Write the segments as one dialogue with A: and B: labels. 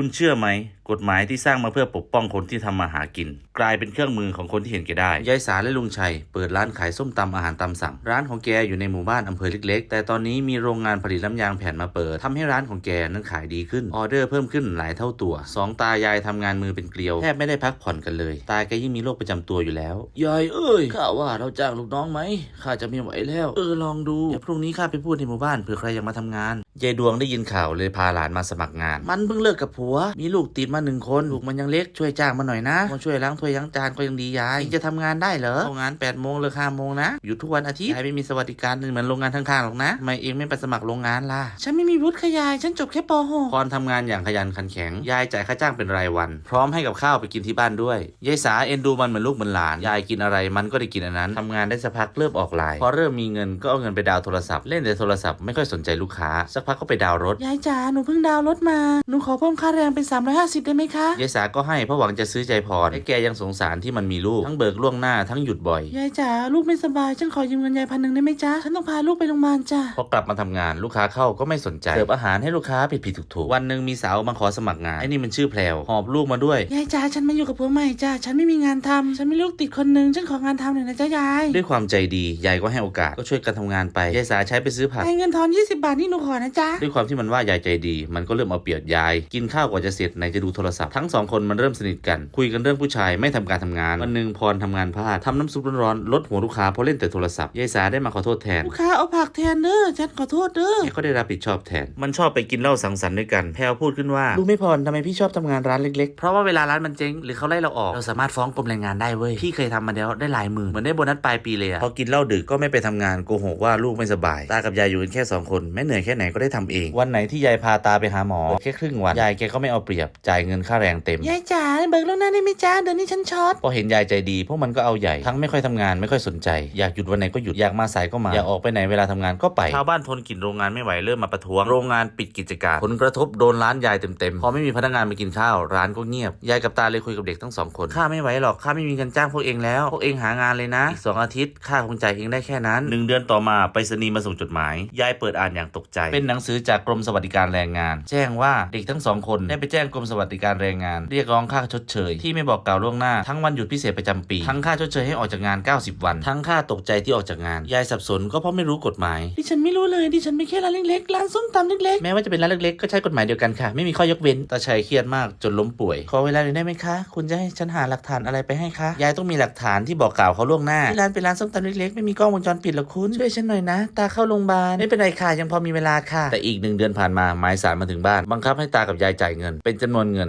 A: คุณเชื่อไหมกฎหมายที่สร้างมาเพื่อปกป้องคนที่ทำมาหากินกลายเป็นเครื่องมือของคนที่เห็นแก่ได้ยายสาและลุงชัยเปิดร้านขายส้มตำอาหารตามสั่งร้านของแกอยู่ในหมู่บ้านอำเภอเล็กๆแต่ตอนนี้มีโรงงานผลิตน้ำยางแผ่นมาเปิดทำให้ร้านของแกนั้นขายดีขึ้นออเดอร์เพิ่มขึ้นหลายเท่าตัวสองตายายทำงานมือเป็นเกลียวแทบไม่ได้พักผ่อนกันเลยตาแกยิ่งมีโรคประจำตัวอยู่แล้วยายเอ้ยข้าว่าเราจ้างลูกน้องไหมข้าจะไม่ไหวแล้วลองดูเดี๋ยวพรุ่งนี้ข้าไปพูดในหมู่บ้านเผื่อใครอยากมาทำงานยายดวงได้ยินข่าวเลยพาหลานมาสมัครงานมันเพิ่งเลิกกับผัวมีลูกติดมา1 คนลูกมันยังเล็กช่วยจ้างมาหน่อยนะมาช่วยล้างถ้วยล้างจานก็ยังดียายจะทำงานได้เหรอเข้างาน8 โมงเลิก5 โมงนะอยู่ทุกวันอาทิตย์ยายไม่มีสวัสดิการเหมือนโรงงานข้างๆหรอกนะทำไมเองไม่ไปสมัครโรงงานล่ะฉันไม่มีวุฒิค่ะยายฉันจบแค่ป .6 พรทำงานอย่างขยันขันแข็งยายจ่ายค่าจ้างเป็นรายวันพร้อมให้กับข้าวไปกินที่บ้านด้วยยายสาเอ็นดูมันเหมือนลูกเหมือนหลานยายกินอะไรมันก็ได้กินอันนั้นทำงานได้สักพักเริ่มออกไลน์พอเริ่มมีเงินก็เอาเงินไปดาวโทรศัพท์เล่นแต่โทรศัพท์ไม่ค่อยสนใจลูกค้าสักพักก็ไปดาวรถยายจ๋าหนูเพิ่งดาวรถมาหนูขอเพิ่มค่าแรงเป็น350ได้ไหมคะยายสาก็ให้เพราะหวังจะซื้อใจพรและแกยังสงสารที่มันมีลูกทั้งเบิกล่วงหน้าทั้งหยุดบ่อยยายจ๋าลูกไม่สบายฉันขอยืมเงินยาย1,000ได้ไหมจ๊ะฉันต้องพาลูกไปโรงพยาบาลจ้ะพอกลับมาทำงานลูกค้าเข้าก็ไม่สนใจเสิร์ฟอาหารให้ลูกค้าผิดถูกวันหนึ่งมีสาวมาขอสมัครงานไอ้นี่มันชื่อแพรวหอบลูกมาด้วยยายจ๋าฉันมาอยู่กับผัวใหม่จ้ะฉันไม่มีงานทำฉันมีลูกติดคนนึงฉันของานทำหน่อยนะจ๊ะยายด้วยความใจดียายก็ให้โอกาสก็ช่วยกันทำงานไปยายสาใช้ไปซื้อผักให้เงินทอน20 บาทนี่หนูขอนะจ๊ะด้วยความที่มันว่ายายใจดีมันก็เริ่มเอาเปรียบยายกินข้าวกว่าจะเสร็จไหนจะดูโทรศัพท์ทั้ง2 คนมันเริ่มสนิทกันคุยกันเรื่องผู้ชายไม่ทำการทำงานวันหนึ่งพรทำงานพลาดทำน้ำซุปร้อนๆลดหัวลูกค้าเพราะเล่นแต่โทรศัพท์ยายสาได้มาขอโทษแทนลูกค้าเอาผักแทนเด้อฉันขอโทษเด้อแกก็ได้รับผิดชอบแทนมันชอบไปกินเหล้าสังสรรค์ด้วยกันแพรวพูดขึ้นว่ารู้ไม่พรทำไมพี่ชอบทำงานร้านเล็กๆเพราะว่าเวลาร้านมันเจ๊งหรือเขาไล่เราออกเราสามารถฟ้องกรมแรงงานได้เว้ยพี่เคยทำมาแล้วได้หลายหมื่นเหมือนได้โบนัสปลายปีเลยพอกินเหล้าดึกก็ไม่ไปทำงานโกหกว่าลูกไม่สบายตากับยายอยู่กันแค่2 คนแม้เหนื่อยแค่ไหนก็ได้ทำเองวันไหนที่ยายพาตาไปหาหมอแค่ครึ่งวันยายแกก็ไม่เอาเปรียบจ่ายเงินค่าแรงเต็มยายจ๋าเบิกล่วงหน้าได้ไหมจ้าเดือนนี้ฉันช็อตพอเห็นยายใจดีพวกมันก็เอาใหญ่ทั้งไม่ค่อยทำงานไม่ค่อยสนใจอยากหยุดวันไหนก็หยุดอยากมาสายก็มาอยากออกไปไหนเวลาทำงานก็ไปชาวบ้านทนกลิ่นโรงงานไม่ไหวเริ่มมาประท้วงโรงงานปิดกิจการผลกระทบโดนร้านยายเต็มพอไม่มีพนักงานมากินข้าวร้านก็เงียบยายกับตาเลยคุยกับเด็กทั้ง2 คนข้าไม่ไหวหรอกข้าไม่มีเงินจ้างพวกเองแล้วพวกเองหางานเลยนะอีก2 อาทิตย์ข้าคงจ่ายเองได้แค่นั้น1 เดือนต่อมาไปรษณีย์มาส่งจดหมายยายเปิดอ่านอย่างตกใจเป็นหนังสือจากกรมสวัสดิการแรงงานแจ้งว่าเด็กทั้ง2 คนได้ไปแจ้งกรมสวัสดิการแรงงานเรียกร้องค่าชดเชยที่ไม่บอกกล่าวล่วงหน้าทั้งวันหยุดพิเศษประจำปีทั้งค่าชดเชยให้ออกจากงาน90 วันทั้งค่าตกใจที่ออกจากงานยายสับสนก็เพราะไม่รู้กฎหมายดิฉันไม่รู้เลยดิฉันไม่แค่ร้านเล็กๆร้านส้มตำเล็กๆแม้ว่าจะเป็นร้านเล็กๆก็ใช้กฎหมายเดียวกันค่ะไม่มีข้อยกเว้นตาชัยเครียดมากจนล้มป่วยขอเวลาหน่อยได้ไหมคะคุณจะให้ฉันหาหลักฐานอะไรไปให้คะยายต้องมีหลักฐานที่บอกกล่าวเขาล่วงหน้าที่ร้านเป็นร้านส้มตำเล็กๆไม่มีกล้องวงจรปิดหรอกคุณช่วยฉันหน่อยนะตาเข้าโรงพยาบาลไม่เป็นไรค่ะยังพอมีเวลาค่ะแต่อีก1 เดือนผ่านมาหมายศาลมาถึงบ้านบังคับให้ตากับยายจ่ายเงินเป็นจำนวนเงิน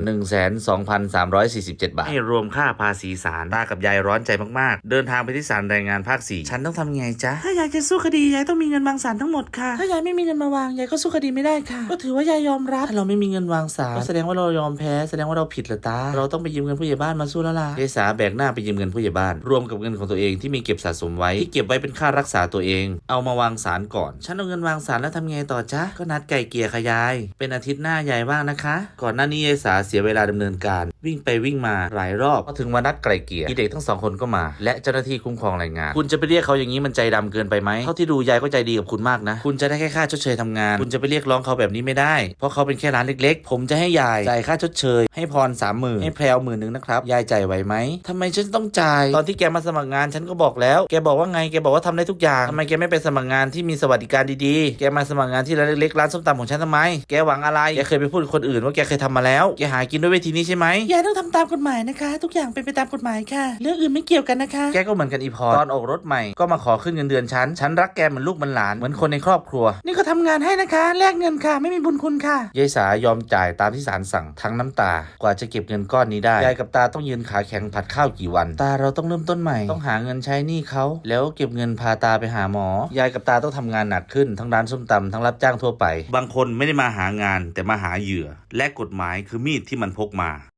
A: 122,347 บาทให้รวมค่าภาษีศาลตากับยายร้อนใจมากๆเดินทางไปที่ศาลแรงงานภาค 4ฉันต้องทำไงจ๊ะถ้ายายจะสู้คดียายต้องมีเงินวางศาลทั้งหมดค่ะถ้ายายไม่มีเงินมาวางยายก็สู้คดีไม่ได้ค่ะก็ถือว่ายายยอมรับถ้าเราไม่มีเงินวางศาลก็แสดงว่าเรายอมแพ้แสดงว่าเราผิดเหรอตาเราต้องไปยืมเงินผู้ใหญ่บ้านมาสู้แล้วล่ะยายสาแบกหน้าไปยืมเงินผู้ใหญ่บ้านรวมกับเงินของตัวเองที่มีเก็บสะสมไว้ที่เก็บไว้เป็นค่ารักษาตัวเองเอามาวางศาลก่อนฉันเอาเงินวางศาลแล้วทำไงต่อจ๊ะก็นัดไก่เกลี่ยค่ะยายเป็นอาทิตย์หน้ายายว่างนะคะก่อนหน้านี้ยายสาเสียเวลาดำเนินการวิ่งไปวิ่งมาหลายรอบพอถึงวันนัดไก่เกลี่ยเด็กทั้ง2 คนก็มาและเจ้าหน้าที่คุ้มครองแรงงานคุณจะไปเรียกเขาอย่างนี้มันใจดำเกินไปไหมเท่าที่ดูยายก็ใจดีกับคุณมากนะคุณจะได้แค่ค่าชดเชยทำงานคุณจะไปเรียกร้องเขาแบบนี้ไม่ได้เพราะเขาเป็นแค่ร้านเล็กๆผมจะให้ยายจ่ายค่าชดเชยให้พร30,000ให้แพรว10,000นะครับยายจ่ายไหวไหมทำไมฉันต้องจ่ายตอนที่แกมาสมัครงานฉันก็บอกแล้วแกบอกว่าไงแกบอกว่าทำได้ทุกอย่างทำไมแกไม่ไปสมัครงานที่มีสวัสดิการดีๆแกมาสมัครงานที่ร้านเล็กๆร้านส้มตำของฉันทำไมแกหวังอะไรแกเคยไปพูดกับคนอื่นว่าแกเคยทำมาแล้วแกหากินด้วยวิธีนี้ใช่ไหมยายต้องทำตามกฎหมายนะคะทุกอย่างเป็นไปตามกฎหมายค่ะเรื่องอื่นไม่เกี่ยวกันนะคะแกก็เหมือนกันอีพรตอนออกรถใหม่ก็มาขอขึ้นเงินเดือนฉันรักแกเหมือนลูกเหมือนหลานเหมือนคนในครอบครัวนี่ก็ทำงานให้นะคะแลกเงินค่ะไม่มีบุญคุณค่ะยายสายอมจ่ายตามที่ศาลสั่งทั้งน้ำตากว่าจะเก็บเงินก้อนนี้ได้ยายกับตาต้องยืนขาแข็งผัดข้าวกี่วันตาเราต้องเริ่มต้นใหม่ต้องหาเงินใช้หนี้เขาแล้วเก็บเงินพาตาไปหาหมอยายกับตาต้องทำงานหนักขึ้นทั้งร้านส้มตำทั้งรับจ้างทั่วไปบางคนไม่ได้มาหางานแต่มาหาเหยื่อและกฎหมายคือมีดที่มันพกมา